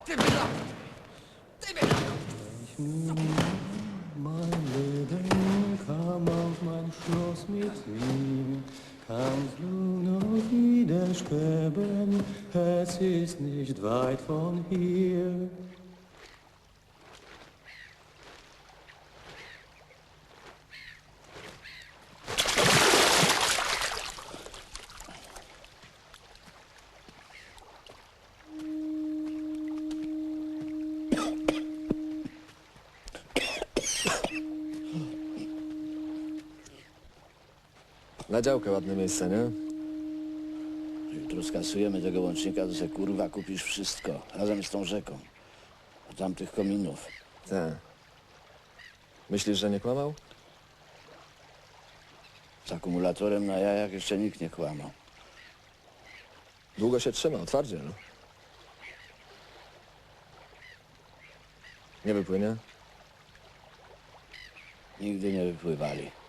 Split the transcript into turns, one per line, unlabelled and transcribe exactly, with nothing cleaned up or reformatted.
Ty wylał! Ty wylał!
Mein Leben kam auf mein Schloss mit ihm, kannst du noch wieder sterben, es ist nicht weit von hier.
Na działkę ładne miejsce, nie?
Jutro skasujemy tego łącznika, to se kurwa kupisz wszystko, razem z tą rzeką. Od tamtych kominów.
Tak. Myślisz, że nie kłamał?
Z akumulatorem na jajach jeszcze nikt nie kłamał.
Długo się trzymał, twardzie, no. Nie wypłynie?
Nigdy nie wypływali.